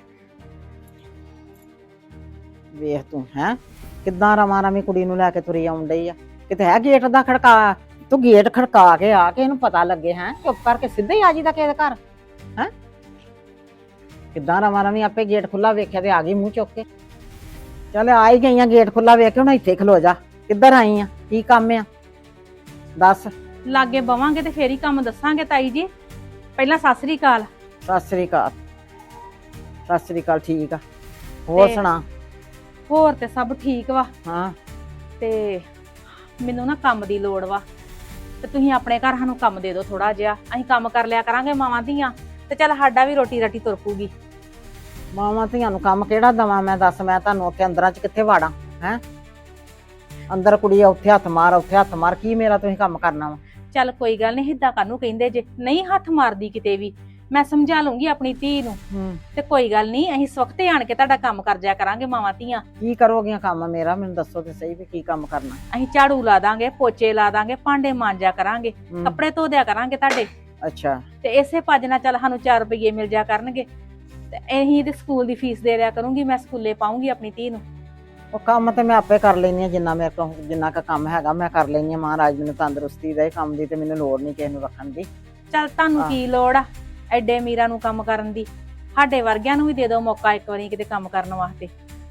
Speaker 5: ਵੇਖ ਤੂੰ ਹੈ ਕਿੱਦਾਂ ਰਵਾਂ ਰਵੀਂ ਕੁੜੀ ਨੂੰ ਲੈ ਕੇ ਤੁਰੀ ਆਉਣ ਡਈ ਆ। ਕਿਤੇ ਹੈ ਗੇਟ ਦਾ ਖੜਕਾ, ਤੂੰ ਗੇਟ ਖੜਕਾ ਕੇ ਆ ਕੇ ਇਹਨੂੰ ਪਤਾ ਲੱਗੇ ਹੈ, ਚੁੱਪ ਕਰਕੇ ਸਿੱਧੇ ਹੀ ਆ ਜੀ ਦਾ ਕਿਸੇ ਦੇ ਘਰ ਹੈ। ਕਿੱਦਾਂ ਰਵਾਂ ਰਵੀਂ ਆਪੇ ਗੇਟ ਖੁੱਲਾ ਵੇਖਿਆ ਤੇ ਆ ਗਈ ਮੂੰਹ ਚੁੱਕ ਕੇ। ਚੱਲ ਆ ਹੀ ਗਈਆਂ ਗੇਟ ਖੁੱਲਾ ਵੇਖ ਕੇ, ਹੁਣ ਇੱਥੇ ਖਲੋ ਜਾ। ਕਿੱਧਰ ਆਈ ਆ, ਕੀ ਕੰਮ ਆ ਦੱਸ?
Speaker 1: ਲਾਗੇ ਬਵਾਂਗੇ ਤੇ ਫੇਰ ਹੀ ਕੰਮ ਦੱਸਾਂਗੇ ਤਾਈ ਜੀ। ਪਹਿਲਾਂ ਸਤਿ ਸ੍ਰੀ ਅਕਾਲ।
Speaker 5: ਸਤਿ ਸ੍ਰੀ ਅਕਾਲ। ਸਤਿ ਸ੍ਰੀ ਅਕਾਲ, ਠੀਕ ਆ। ਹੋਰ
Speaker 1: ਤੇ-
Speaker 5: ਸੁਣਾ?
Speaker 1: ਹੋਰ ਤੇ ਸਭ ਠੀਕ ਵਾ,
Speaker 5: ਹਾਂ
Speaker 1: ਤੇ ਮੈਨੂੰ ਨਾ ਕੰਮ ਦੀ ਲੋੜ ਵਾ, ਤੇ ਤੁਸੀਂ ਆਪਣੇ ਘਰ ਸਾਨੂੰ ਕੰਮ ਦੇ ਦਿਓ ਥੋੜਾ ਜਿਹਾ, ਅਸੀਂ ਕੰਮ ਕਰ ਲਿਆ ਕਰਾਂਗੇ ਮਾਵਾਂ ਧੀਆਂ, ਤੇ ਚੱਲ ਸਾਡਾ ਵੀ ਰੋਟੀ ਰਾਟੀ ਤੁਰ ਪੂਗੀ।
Speaker 5: ਮਾਵਾਂ ਧੀਆਂ ਨੂੰ ਕੰਮ ਕਿਹੜਾ ਦਵਾਂ ਮੈਂ, ਦੱਸ ਮੈਂ ਤੁਹਾਨੂੰ ਉੱਥੇ ਅੰਦਰਾਂ 'ਚ ਕਿੱਥੇ ਵਾੜਾਂ ਹੈ? ਅੰਦਰ ਕੁੜੀ ਆ, ਉੱਥੇ ਹੱਥ ਮਾਰ ਉੱਥੇ ਹੱਥ ਮਾਰ, ਕੀ ਮੇਰਾ ਤੁਸੀਂ ਕੰਮ ਕਰਨਾ ਵਾ?
Speaker 1: ਚੱਲ ਕੋਈ ਗੱਲ ਨਹੀਂ, ਹਿੱਦਾਂ ਕਾਹਨੂੰ ਕਹਿੰਦੇ ਜੇ, ਨਹੀਂ ਹੱਥ ਮਾਰਦੀ ਕਿਤੇ ਵੀ, ਮੈਂ ਸਮਝਾ ਲੂੰਗੀ ਆਪਣੀ ਧੀ ਨੂੰ, ਤੇ ਕੋਈ ਗੱਲ ਨਹੀਂ ਅਸੀਂ ਸਵਖਤੇ ਆਣ ਕੇ ਤੁਹਾਡਾ ਕੰਮ ਕਰ ਜਾਇਆ ਕਰਾਂਗੇ ਮਾਵਾਂ ਧੀਆਂ।
Speaker 5: ਕੀ ਕਰੋਗੀਆਂ ਕੰਮ ਮੇਰਾ, ਮੈਨੂੰ ਦੱਸੋ ਤੇ ਸਹੀ ਵੀ ਕੀ ਕੰਮ ਕਰਨਾ?
Speaker 1: ਅਸੀਂ ਝਾੜੂ ਲਾ ਦਾਂਗੇ, ਪੋਚੇ ਲਾ ਦਾਂਗੇ, ਭਾਂਡੇ ਮਾਂਜਿਆ ਕਰਾਂਗੇ, ਕੱਪੜੇ ਧੋ ਦਿਆ ਕਰਾਂਗੇ ਤੁਹਾਡੇ,
Speaker 5: ਅੱਛਾ,
Speaker 1: ਤੇ ਇਸੇ ਭੱਜ ਨਾਲ ਚੱਲ ਸਾਨੂੰ 4 ਰੁਪਏ ਮਿਲ ਜਾ ਕਰਨਗੇ, ਤੇ ਅਸੀਂ ਤੇ ਸਕੂਲ ਦੀ ਫੀਸ ਦੇ ਰਿਆ ਕਰੂੰਗੀ, ਮੈਂ ਸਕੂਲੇ ਪਾਉਂਗੀ ਆਪਣੀ ਧੀ ਨੂੰ।
Speaker 5: ਉਹ ਕੰਮ ਤੇ ਮੈਂ ਆਪੇ ਕਰ ਲੈਣੀ ਆ, ਜਿੰਨਾ ਮੇਰੇ ਕੋਲ ਜਿੰਨਾ ਕੁ ਕੰਮ ਹੈਗਾ ਮੈਂ ਕਰ ਲੈਣੀ ਆ। ਮਹਾਰਾਜ ਮੈਨੂੰ ਤੰਦਰੁਸਤੀ ਦੇ, ਕੰਮ ਦੀ ਤੇ ਮੈਨੂੰ ਲੋੜ ਨਹੀਂ ਕਿਸੇ ਨੂੰ ਰੱਖਣ ਦੀ।
Speaker 1: ਚੱਲ ਤੁਹਾਨੂੰ ਕੀ ਲੋੜ ਆ ਐਡੇ ਅਮੀਰਾਂ ਨੂੰ ਕੰਮ ਕਰਨ ਦੀ, ਸਾਡੇ ਵਰਗਿਆਂ ਨੂੰ ਵੀ ਦੇ ਦਿਓ ਮੌਕਾ ਇੱਕ ਵਾਰੀ ਕਿਤੇ ਕੰਮ ਕਰਨ ਵਾਸਤੇ।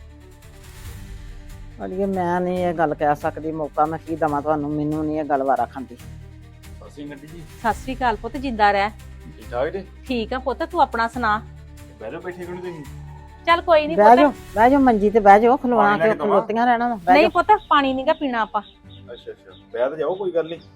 Speaker 5: ਅੜੀਏ ਮੈਂ ਨਹੀਂ ਇਹ ਗੱਲ ਕਹਿ ਸਕਦੀ, ਮੌਕਾ ਮੈਂ ਕੀ ਦਵਾਂ ਤੁਹਾਨੂੰ, ਮੈਨੂੰ ਨਹੀਂ ਇਹ ਗੱਲ ਵਾਰਾ ਖਾਂਦੀ।
Speaker 4: ਅਸੀਂ ਗੱਡੀ ਜੀ
Speaker 1: ਸਤਿ ਸ੍ਰੀ ਅਕਾਲ ਪੁੱਤ, ਜਿੰਦਾ ਰਹਿ।
Speaker 4: ਠੀਕ ਠਾਕ ਜੀ?
Speaker 1: ਠੀਕ ਆ ਪੁੱਤ, ਤੂੰ ਆਪਣਾ ਸੁਣਾ।
Speaker 4: ਬਹਿ ਜਾਓ, ਬੈਠੇ ਕਿਉਂ ਨੀ ਤੁਸੀਂ?
Speaker 1: ਚੱਲ ਕੋਈ ਨਹੀਂ
Speaker 5: ਬਹਿ ਜਾਓ,
Speaker 1: ਪੁੱਤ।
Speaker 5: ਬਹਿ ਜਾਓ ਮੰਜੀ ਤੇ ਬਹਿ ਜਾਓ, ਖਲੋਣਾ
Speaker 4: ਪਾਣੀ ਲੈ
Speaker 5: ਕਿ
Speaker 4: ਕੇ ਦਵਾਂ?
Speaker 5: ਖਲੋਤੀਆਂ ਰਹਿਣਾ ਵਾ, ਬਹਿ
Speaker 1: ਨਹੀਂ
Speaker 5: ਜਾਓ।
Speaker 1: ਪੁੱਤ ਪਾਣੀ ਨਹੀਂਗਾ ਪੀਣਾ ਆਪਾਂ।
Speaker 4: ਅੱਛਾ ਅੱਛਾ, ਬਹਿ ਤਾਂ ਜਾਓ, ਕੋਈ ਗੱਲ ਨਹੀਂ।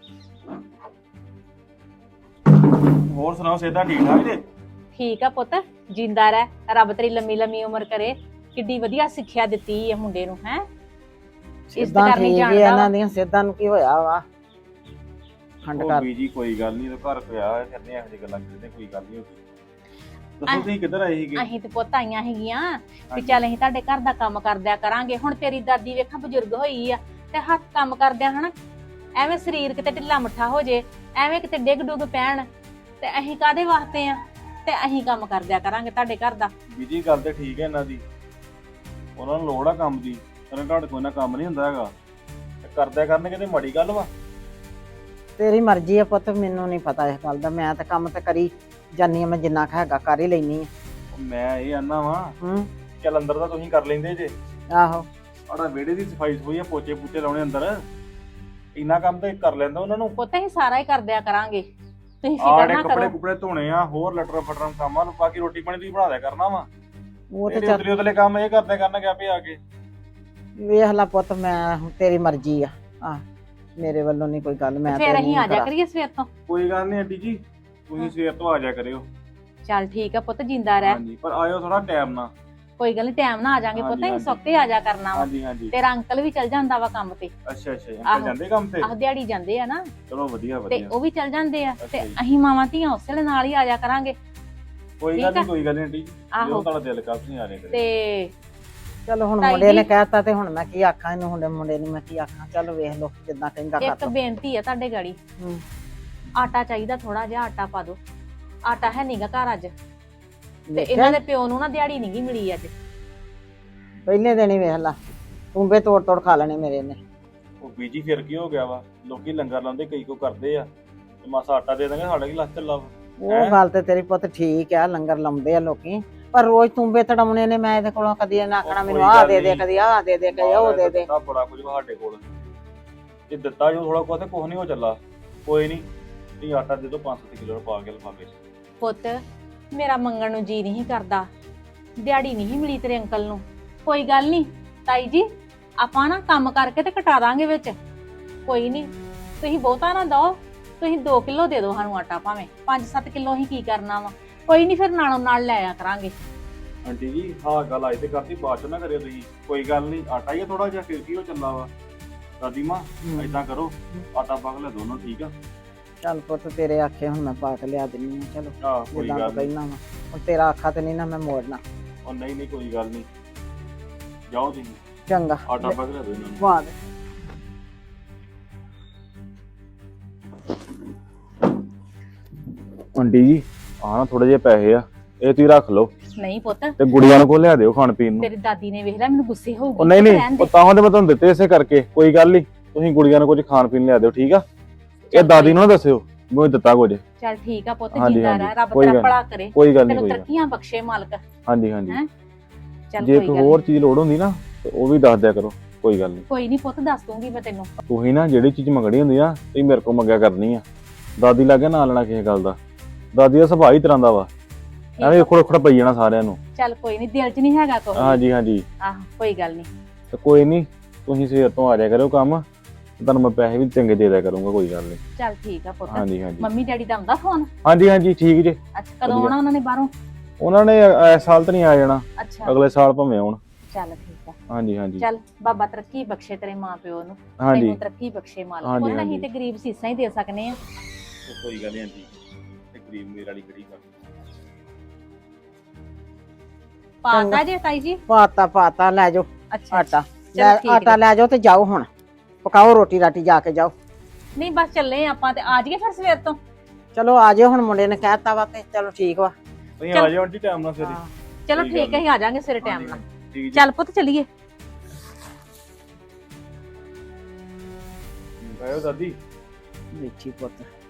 Speaker 4: ਹੋਰ ਸੁਣਾਓ, ਸਿਹਤਾਂ ਠੀਕ ਠਾਕ ਜੀ?
Speaker 1: ਠੀਕ ਆ ਪੁੱਤ, ਜਿੰਦਾ ਰਹਿ, ਰੱਬ ਤੇਰੀ ਲੰਮੀ ਲੰਮੀ ਉਮਰ ਕਰੇ। ਕਿੱਡੀ ਵਧੀਆ ਸਿੱਖਿਆ ਦਿੱਤੀ ਇਹ ਮੁੰਡੇ ਨੂੰ, ਹੈ ਇਸ
Speaker 5: ਸਿੱਧਾਂ
Speaker 1: ਕਰਨੀ
Speaker 5: ਠੀਕ ਹੀ
Speaker 1: ਜਾਣਦਾ
Speaker 5: ਇਹਨਾਂ
Speaker 1: ਵਾ।
Speaker 5: ਦੀਆਂ ਸਿੱਧਾਂ ਨੂੰ ਕੀ ਹੋਇਆ ਵਾ, ਖੰਡ
Speaker 4: ਉਹ
Speaker 5: ਕਰ।
Speaker 4: ਬੀਜੀ ਕੋਈ ਗੱਲ ਨਹੀਂ, ਘਰ ਪਿਆ ਕਰਨੇ ਇਹੋ ਜਿਹੀ ਗੱਲਾਂ ਕਰਦੇ, ਕੋਈ ਗੱਲ ਨਹੀਂ ਹੋਈ। ਦੱਸੋ ਤੁਸੀਂ ਕਿੱਧਰ ਆਏ ਸੀਗੇ?
Speaker 1: ਅਸੀਂ ਤੇ ਪੁੱਤ ਆਈਆਂ ਹੈਗੀਆਂ ਵੀ ਚੱਲ ਅਸੀਂ ਤੁਹਾਡੇ ਘਰ ਦਾ ਕੰਮ ਕਰਦਿਆ ਕਰਾਂਗੇ। ਹੁਣ ਤੇਰੀ ਦਾਦੀ ਵੇਖਾਂ ਬਜ਼ੁਰਗ ਹੋਈ ਆ, ਤੇ ਹੱਥ ਕੰਮ ਕਰਦਿਆਂ ਹਨਾ ਐਵੇਂ ਸਰੀਰ ਕਿਤੇ ਢਿੱਲਾ ਮੱਠਾ ਹੋ ਜੇ, ਐਵੇਂ ਕਿਤੇ ਡਿੱਗ ਡੁੱਗ ਪੈਣ, ਤੇ ਅਸੀਂ ਕਾਦੇ ਵਾਸਤੇ ਆ, ਤੇ ਅਸੀਂ ਕੰਮ ਕਰਦਿਆ ਕਰਾਂਗੇ ਤੁਹਾਡੇ ਘਰ ਦਾ।
Speaker 4: ਬੀਜੀ ਗੱਲ ਤੇ ਠੀਕ ਹੈ ਇਹਨਾਂ ਦੀ, ਉਹਨਾਂ ਨੂੰ ਲੋੜ ਆ ਕੰਮ ਦੀ, ਕਹਿੰਦੇ ਤੁਹਾਡੇ ਕੋਲ ਨਾ ਕੰਮ ਨਹੀਂ ਹੁੰਦਾ ਹੈਗਾ, ਤੇ ਕਰਦਿਆ ਕਰਨਗੇ ਤੇ ਮਾੜੀ ਗੱਲ ਵਾ।
Speaker 5: ਤੇਰੀ ਮਰਜ਼ੀ ਆ ਪੁੱਤ, ਮੈਨੂੰ ਨਹੀਂ ਪਤਾ ਇਸ ਗੱਲ ਦਾ। ਮੈਂ ਤਾਂ ਕੰਮ ਤੇ ਕਰੀ ਜਾਨੀ ਆ, ਮੈਂ ਜਿੰਨਾ ਕੁ ਹੈਗਾ ਕਰ ਹੀ ਲੈਣੀ ਆ।
Speaker 4: ਉਹ ਮੈਂ ਇਹ ਆਨਾ ਵਾਂ,
Speaker 5: ਹੂੰ,
Speaker 4: ਚੱਲ ਅੰਦਰ ਤਾਂ ਤੁਸੀਂ ਕਰ ਲੈਂਦੇ ਜੇ,
Speaker 5: ਆਹੋ
Speaker 4: ਆੜਾ ਵਿਹੜੇ ਦੀ ਸਫਾਈ ਸਫੂਈ ਆ, ਪੋਚੇ ਪੂਚੇ ਲਾਉਣੇ ਅੰਦਰ, ਇੰਨਾ ਕੰਮ ਤਾਂ ਕਰ ਲੈਂਦਾ ਉਹਨਾਂ ਨੂੰ।
Speaker 1: ਪੁੱਤ ਅਸੀਂ ਸਾਰਾ ਹੀ ਕਰਦਿਆ ਕਰਾਂਗੇ, ਤੁਸੀਂ ਫਿਕਰ
Speaker 4: ਆੜੇ
Speaker 1: ਨਾ
Speaker 4: ਕੱਪੜੇ
Speaker 1: ਕਰੋ।
Speaker 4: ਕੁਪੜੇ ਧੋਣੇ ਆ, ਹੋਰ ਲਟਰ ਫਟਰ ਕੰਮ ਆ, ਬਾਕੀ ਰੋਟੀ ਪਾਣੀ ਤੁਸੀਂ ਬਣਾ ਦਿਆ ਕਰਨਾ ਵਾ।
Speaker 5: ਉਹ ਤੇ
Speaker 4: ਇਹਦੇ
Speaker 5: ਚੱਲ
Speaker 4: ਉਤਲੇ ਉਤਲੇ ਕੰਮ ਇਹ ਕਰਦੇ ਕਰਨਗੇ ਆਪੇ ਆ ਕੇ।
Speaker 5: ਵੇਖ ਲੈ ਪੁੱਤ, ਮੈਂ ਤੇਰੀ ਮਰਜ਼ੀ ਆ, ਆ ਮੇਰੇ ਵੱਲੋਂ ਨਹੀਂ ਕੋਈ ਗੱਲ, ਮੈਂ
Speaker 1: ਫੇਰ
Speaker 5: ਤੇ
Speaker 1: ਅਸੀਂ
Speaker 5: ਨਹੀਂ
Speaker 1: ਆ ਜਾ
Speaker 5: ਕਰਾ।
Speaker 1: ਕਰੀਏ ਸਵੇਰ ਤੋਂ।
Speaker 4: ਕੋਈ ਗੱਲ ਨਹੀਂ ਆਂਟੀ ਜੀ, ਤੁਸੀਂ ਸਵੇਰ ਤੋਂ ਆ ਜਾ ਕਰਿਓ।
Speaker 1: ਚੱਲ ਠੀਕ ਆ ਪੁੱਤ, ਜਿੰਦਾ ਰਹਿ।
Speaker 4: ਹਾਂਜੀ, ਪਰ ਆਇਓ ਥੋੜਾ ਟਾਈਮ ਨਾਲ,
Speaker 1: ਕੋਈ ਗੱਲ ਨਹੀਂ ਟਾਈਮ ਨਾਲ ਆ ਜਾਾਂਗੇ
Speaker 4: ਹਾਂਜੀ,
Speaker 1: ਪੁੱਤ ਅਸੀਂ
Speaker 4: ਹਾਂਜੀ।
Speaker 1: ਸੁੱਤੇ ਆ ਜਾ ਕਰਨਾ ਵਾ
Speaker 4: ਹਾਂਜੀ ਹਾਂਜੀ
Speaker 1: ਤੇਰਾ ਅੰਕਲ ਵੀ ਚੱਲ ਜਾਂਦਾ ਵਾ ਕੰਮ ਤੇ
Speaker 4: ਅੱਛਾ ਅੱਛਾ
Speaker 1: ਆਹੋ।
Speaker 4: ਅੰਕਲ ਜਾਂਦੇ ਕੰਮ ਤੇ
Speaker 1: ਆਹ ਦਿਹਾੜੀ ਜਾਂਦੇ ਆ ਨਾ
Speaker 4: ਚਲੋ ਵਧੀਆ
Speaker 1: ਤੇ
Speaker 4: ਵਧੀਆ
Speaker 1: ਉਹ ਵੀ ਚੱਲ ਜਾਂਦੇ ਆ
Speaker 4: ਅੱਛਾ
Speaker 1: ਤੇ
Speaker 4: ਜੀ।
Speaker 1: ਅਸੀਂ ਮਾਵਾਂ ਧੀਆਂ ਉਸੇ ਵੇਲੇ ਨਾਲ ਹੀ ਆ ਜਾ ਕਰਾਂਗੇ
Speaker 4: ਕੋਈ
Speaker 1: ਠੀਕ
Speaker 4: ਗੱਲ
Speaker 1: ਆ।
Speaker 4: ਨਹੀਂ ਕੋਈ ਗੱਲ ਨਹੀਂ ਆਂਟੀ
Speaker 1: ਆਹੋ
Speaker 4: ਜਦੋਂ ਤੁਹਾਡਾ ਦਿਲ ਕਰ ਤੁਸੀਂ ਆ ਰਹੇ ਕਰੇ
Speaker 1: ਤੇ
Speaker 5: ਚਲੋ ਹੁਣ
Speaker 1: ਤਾਈ
Speaker 5: ਮੁੰਡੇ ਨੇ
Speaker 1: ਜੀ।
Speaker 5: ਕਹਿਤਾ ਤੇ ਹੁਣ ਮੈਂ ਕੀ ਆਖਾਂ ਇਹਨੂੰ ਮੁੰਡੇ ਨੂੰ ਮੈਂ ਕੀ ਆਖਾਂ ਚਲੋ ਵੇਖ ਲਓ ਜਿੱਦਾਂ ਕਹਿੰਦਾ ਕਰ
Speaker 1: ਇੱਕ
Speaker 5: ਲਓ
Speaker 1: ਬੇਨਤੀ ਆ ਤੁਹਾਡੇ ਗਾੜੀ
Speaker 5: ਹੂੰ।
Speaker 1: ਆਟਾ ਚਾਹੀਦਾ ਥੋੜਾ ਜਿਹਾ ਆਟਾ ਪਾ ਦਿਓ ਆਟਾ ਹੈ ਨਹੀਂਗਾ ਘਰ ਅੱਜ ਤੇ
Speaker 5: ਵੇਖਿਆ?
Speaker 1: ਇਹਨਾਂ ਦੇ ਪਿਓ ਨੂੰ ਨਾ ਦਿਹਾੜੀ ਨਹੀਂਗੀ ਮਿਲੀ ਅੱਜ
Speaker 5: ਪਹਿਲੇ ਦਿਨ ਹੀ ਵੇਖ ਲਾ ਟੁੰਬੇ ਤੋੜ ਤੋੜ ਖਾ ਲੈਣੇ ਮੇਰੇ ਨੇ
Speaker 4: ਉਹ ਬੀਜੀ ਫਿਰ ਕੀ ਹੋ ਗਿਆ ਵਾ ਲੋਕੀ ਲੰਗਰ ਲਾਉਂਦੇ ਕਈ ਕੋ ਕਰਦੇ ਆ ਤੇ ਮਾਸਾ ਆਟਾ ਦੇ ਦਾਂਗੇ ਸਾਡੇ ਕੀ ਲੱਤ ਚੱਲਾ ਵਾ
Speaker 5: ਉਹ
Speaker 4: ਹੈਂ?
Speaker 5: ਗੱਲ ਤੇ ਤੇਰੀ ਪੁੱਤ ਠੀਕ ਆ ਲੰਗਰ ਲਾਉਂਦੇ ਆ ਲੋਕੀ ਪਰ ਰੋਜ਼ ਟੁੰਬੇ ਤੜਾਉਣੇ ਨੇ ਮੈਂ ਇਹਦੇ ਕੋਲੋਂ ਕਦੀ ਇਹਨਾਂ ਆਖਣਾ
Speaker 4: ਉਹ
Speaker 5: ਮੈਨੂੰ
Speaker 4: ਕੋਈ
Speaker 5: ਆਹ
Speaker 4: ਗੱਲ
Speaker 5: ਦੇ ਦੇ
Speaker 4: ਨੀ।
Speaker 5: ਕਦੀ ਆਹ ਦੇ ਦੇ ਕਦੀ ਉਹ ਦੇ ਦੇ
Speaker 4: ਦਿੱਤਾ ਬੜਾ ਕੁਝ ਵਾ ਸਾਡੇ ਕੋਲ ਜੇ ਦਿੱਤਾ ਜੋ ਥੋੜਾ ਕੁਝ ਕੁਝ ਨਹੀਂ ਹੋ ਚੱਲਾ ਕੋਈ ਨਹੀਂ ਤੁਸੀਂ ਆਟਾ ਦੇ ਦਿਓ 5-7 ਕਿਲੋ ਪਾ ਕੇ ਲਫਾਫੇ 'ਚ
Speaker 1: ਪੁੱਤ ਮੇਰਾ ਮੰਗਣ ਨੂੰ ਜੀ ਨਹੀਂ ਕਰਦਾ ਦਿਹਾੜੀ ਨਹੀਂ ਮਿਲੀ ਤੇਰੇ ਅੰਕਲ ਨੂੰ ਕੋਈ ਗੱਲ ਨਹੀਂ ਤਾਈ ਜੀ ਆਪਾਂ ਨਾ ਕੰਮ ਕਰਕੇ ਤੇ ਕਟਾ ਦਾਂਗੇ ਵਿੱਚ ਕੋਈ ਨਹੀਂ ਤੁਸੀਂ ਬਹੁਤਾ ਨਾ ਦੋ ਤੁਸੀਂ 2 ਕਿਲੋ ਦੇ ਦਿਓ ਸਾਨੂੰ ਆਟਾ ਭਾਵੇਂ 5-7 ਕਿਲੋ ਅਸੀਂ ਕੀ ਕਰਨਾ ਵਾ ਕੋਈ ਨਹੀਂ ਫਿਰ ਨਾਲੋਂ ਨਾਲ ਲੈ ਆ ਕਰਾਂਗੇ
Speaker 4: ਆਂਟੀ ਜੀ ਹਾਂ ਗੱਲ ਅੱਜ ਤੇ ਕਰਤੀ ਬਾਅਦ ਚ ਨਾ ਕਰਿਓ ਤੁਸੀਂ ਕੋਈ ਗੱਲ ਨਹੀਂ ਆਟਾ ਹੀ ਥੋੜਾ ਜਿਹਾ ਫਿਰ ਕੀ ਹੋ ਚੱਲਾ ਵਾ ਦਾਦੀ ਮਾਂ ਏਦਾਂ ਕਰੋ ਆਟਾ ਪਾ ਕੇ ਲੈ ਦੋਨੋਂ ਠੀਕ ਆ
Speaker 5: ਚੱਲ ਪੁੱਤ ਤੇਰੇ ਆਖੇ ਹੁਣ ਮੈਂ ਪਾ ਕੇ ਲਿਆ ਦਿੰਨੀ ਆ ਚਲੋ
Speaker 4: ਆਹ ਕੋਈ
Speaker 5: ਜਿੱਦਾਂ
Speaker 4: ਗੱਲ
Speaker 5: ਤੂੰ
Speaker 4: ਨਹੀਂ
Speaker 5: ਕਹਿਣਾ ਵਾ ਹੁਣ ਤੇਰਾ ਆਖਾ ਤੇ ਨਹੀਂ ਨਾ ਮੈਂ ਮੋੜਨਾ
Speaker 4: ਉਹ ਨਹੀਂ ਨਹੀਂ ਕੋਈ ਗੱਲ ਨਹੀਂ ਜਾਓ ਤੁਸੀਂ
Speaker 5: ਚੰਗਾ
Speaker 4: ਆਟਾ ਪਾ ਕੇ ਲੈ ਦਿਓ ਇਹਨਾਂ ਨੂੰ
Speaker 5: ਬਾਦ
Speaker 4: ਆਂਟੀ ਜੀ ਆਹ ਨਾ ਥੋੜੇ ਜਿਹੇ ਪੈਸੇ ਆ ਇਹ ਤੁਸੀਂ ਰੱਖ ਲਓ
Speaker 1: ਨਹੀਂ ਪੁੱਤ
Speaker 4: ਤੇ ਗੁੜੀਆਂ ਨੂੰ ਕੋ ਲਿਆ ਦਿਓ ਖਾਣ ਪੀਣ ਨੂੰ
Speaker 1: ਤੇਰੀ ਦਾਦੀ ਨੇ ਵੇਖ ਲਿਆ ਮੈਨੂੰ ਗੁੱਸੇ ਹੋਊਗੀ
Speaker 4: ਉਹ ਨਹੀਂ
Speaker 1: ਰਹਿਣ
Speaker 4: ਨਹੀਂ
Speaker 1: ਦੇ।
Speaker 4: ਉਹ ਤਾਂ ਤੇ ਮੈਂ ਤੁਹਾਨੂੰ ਦਿੱਤੇ ਇਸੇ ਕਰਕੇ ਕੋਈ ਗੱਲ ਨਹੀਂ ਤੁਸੀਂ ਗੁੜੀਆਂ ਨੂੰ ਕੁਝ ਖਾਣ ਪੀਣ ਲਿਆ ਦਿਓ ਠੀਕ ਆ ਇਹ
Speaker 1: ਚੱਲ
Speaker 4: ਦਾਦੀ ਨੂੰ ਨਾ ਦੱਸਿਓ ਮੈਨੂੰ ਦਿੱਤਾ ਕੁਝ
Speaker 1: ਚੱਲ ਠੀਕ ਆ ਪੁੱਤ
Speaker 4: ਹਾਂਜੀ,
Speaker 1: ਜਿੰਦਾ
Speaker 4: ਹਾਂਜੀ,
Speaker 1: ਰਹਿ ਰੱਬ
Speaker 4: ਕੋਈ
Speaker 1: ਤੇਰਾ
Speaker 4: ਗੱਲ
Speaker 1: ਭਲਾ ਕਰੇ
Speaker 4: ਕੋਈ ਗੱਲ ਨਹੀਂ
Speaker 1: ਤੈਨੂੰ
Speaker 4: ਕੋਈ ਗੱਲ
Speaker 1: ਤਰੱਕੀਆਂ ਬਖਸ਼ੇ ਮਾਲਕ
Speaker 4: ਹਾਂਜੀ ਹਾਂਜੀ
Speaker 1: ਹੈਂ? ਚੱਲ
Speaker 4: ਜੇ
Speaker 1: ਕੋਈ
Speaker 4: ਕੋਈ
Speaker 1: ਗੱਲ
Speaker 4: ਹੋਰ
Speaker 1: ਨੀ।
Speaker 4: ਚੀਜ਼ ਲੋੜ ਹੁੰਦੀ ਨਾ ਤੇ ਉਹ ਵੀ ਦੱਸ ਦਿਆ ਕਰੋ ਕੋਈ ਗੱਲ ਨਹੀਂ
Speaker 1: ਕੋਈ ਨਹੀਂ ਪੁੱਤ ਦੱਸ ਦੂੰਗੀ ਮੈਂ ਤੈਨੂੰ
Speaker 4: ਤੁਸੀਂ ਨਾ ਜਿਹੜੀ ਚੀਜ਼ ਮੰਗਣੀ ਹੁੰਦੀ ਆ ਤੁਸੀਂ ਮੇਰੇ ਕੋਲ ਮੰਗਿਆ ਕਰਨੀ ਆ ਦਾਦੀ ਲਾਗੇ ਨਾ ਲੈਣਾ ਕਿਸੇ ਗੱਲ ਦਾ ਦਾਦੀ ਦਾ ਸੁਭਾਅ ਹੀ ਤਰ੍ਹਾਂ ਦਾ ਵਾ ਐਵੇਂ ਖੋੜ ਖੋੜ ਪਈ ਜਾਣਾ ਸਾਰਿਆਂ ਨੂੰ
Speaker 1: ਚੱਲ ਕੋਈ ਨਹੀਂ ਦਿਲ 'ਚ ਨਹੀਂ ਹੈਗਾ ਕੋਈ
Speaker 4: ਹਾਂਜੀ ਹਾਂਜੀ
Speaker 1: ਆਹ ਕੋਈ ਗੱਲ ਨਹੀਂ
Speaker 4: ਤੇ ਕੋਈ ਨਹੀਂ ਤੁਸੀਂ ਸਵੇਰ ਤੋਂ ਆ ਜਾਇਆ ਕਰਿਓ ਕੰਮ ਤੇ ਤੁਹਾਨੂੰ ਮੈਂ ਪੈਸੇ ਵੀ ਚੰਗੇ ਦੇ ਦਿਆ ਕਰੂੰਗਾ ਕੋਈ ਗੱਲ ਨਹੀਂ
Speaker 1: ਚੱਲ ਠੀਕ ਆ ਪੁੱਤ
Speaker 4: ਹਾਂਜੀ ਹਾਂਜੀ
Speaker 1: ਮੰਮੀ ਡੈਡੀ ਦਾ ਆਉਂਦਾ ਫੋਨ
Speaker 4: ਹਾਂਜੀ ਹਾਂਜੀ ਠੀਕ ਜੇ
Speaker 1: ਅੱਛਾ ਕਦੋਂ
Speaker 4: ਵਧੀਆ।
Speaker 1: ਆਉਣਾ ਉਹਨਾਂ ਨੇ ਬਾਹਰੋਂ
Speaker 4: ਉਹਨਾਂ ਨੇ ਇਸ ਸਾਲ ਤਾਂ ਨਹੀਂ ਆ ਜਾਣਾ
Speaker 1: ਅੱਛਾ
Speaker 4: ਅਗਲੇ ਸਾਲ ਭਾਵੇਂ ਆਉਣ
Speaker 1: ਚੱਲ ਠੀਕ ਆ
Speaker 4: ਹਾਂਜੀ ਹਾਂਜੀ
Speaker 1: ਚੱਲ ਬਾਬਾ ਤਰੱਕੀ ਬਖਸ਼ੇ ਤੇਰੇ ਮਾਂ ਪਿਓ ਨੂੰ
Speaker 4: ਹਾਂਜੀ
Speaker 1: ਤੈਨੂੰ ਤਰੱਕੀ ਬਖਸ਼ੇ ਮਾਲਕ
Speaker 4: ਹਾਂਜੀ,
Speaker 1: ਉਹਨਾਂ ਹੀ
Speaker 4: ਹਾਂਜੀ।
Speaker 1: ਤੇ ਗਰੀਬ ਸੀਸਾਂ ਹੀ ਦੇ ਸਕਨੇ ਆ
Speaker 4: ਕੋਈ ਗੱਲ ਨਹੀਂ ਆਂਟੀ ਤੇ ਗਰੀਬ ਮੇਰੇ ਵਾਲੀ ਕਿਹੜੀ ਗੱਲ
Speaker 1: ਪਾਤਾ ਜੇ ਤਾਈ ਜੀ
Speaker 5: ਪਾਤਾ ਲੈ ਜਾਓ
Speaker 1: ਅੱਛਾ
Speaker 5: ਆਟਾ
Speaker 1: ਚਲੋ ਠੀਕ
Speaker 5: ਆਟਾ
Speaker 1: ਹੈ।
Speaker 5: ਲੈ ਜਾਓ ਤੇ ਜਾਓ ਹੁਣ ਪਕਾਓ ਰੋਟੀ ਰਾਟੀ ਜਾ ਕੇ ਜਾਓ
Speaker 1: ਨਹੀਂ ਬਸ ਚੱਲੇ ਆਪਾਂ ਤੇ ਆ ਜਾਈਏ ਫਿਰ ਸਵੇਰ ਤੋਂ
Speaker 5: ਚਲੋ ਆ ਜਾਓ ਹੁਣ ਮੁੰਡੇ ਨੇ ਕਹਿਤਾ ਵਾ ਤੇ ਚਲੋ ਠੀਕ ਵਾ
Speaker 4: ਤੁਸੀਂ
Speaker 1: ਚੱਲ।
Speaker 4: ਆ ਜਾਓ ਆਂਟੀ ਟਾਈਮ ਨਾਲ ਫਿਰ
Speaker 5: ਹਾਂ।
Speaker 1: ਚਲੋ
Speaker 4: ਕੋਈ ਗੱਲ
Speaker 1: ਠੀਕ ਹੈ ਅਸੀਂ ਆ ਜਾਾਂਗੇ ਸਵੇਰੇ ਟਾਈਮ ਨਾਲ
Speaker 4: ਠੀਕ ਜੀ
Speaker 1: ਚੱਲ ਪੁੱਤ ਚੱਲੀਏ
Speaker 4: ਆਇਓ ਦਾਦੀ
Speaker 5: ਦੇਖੀ ਪੁੱਤ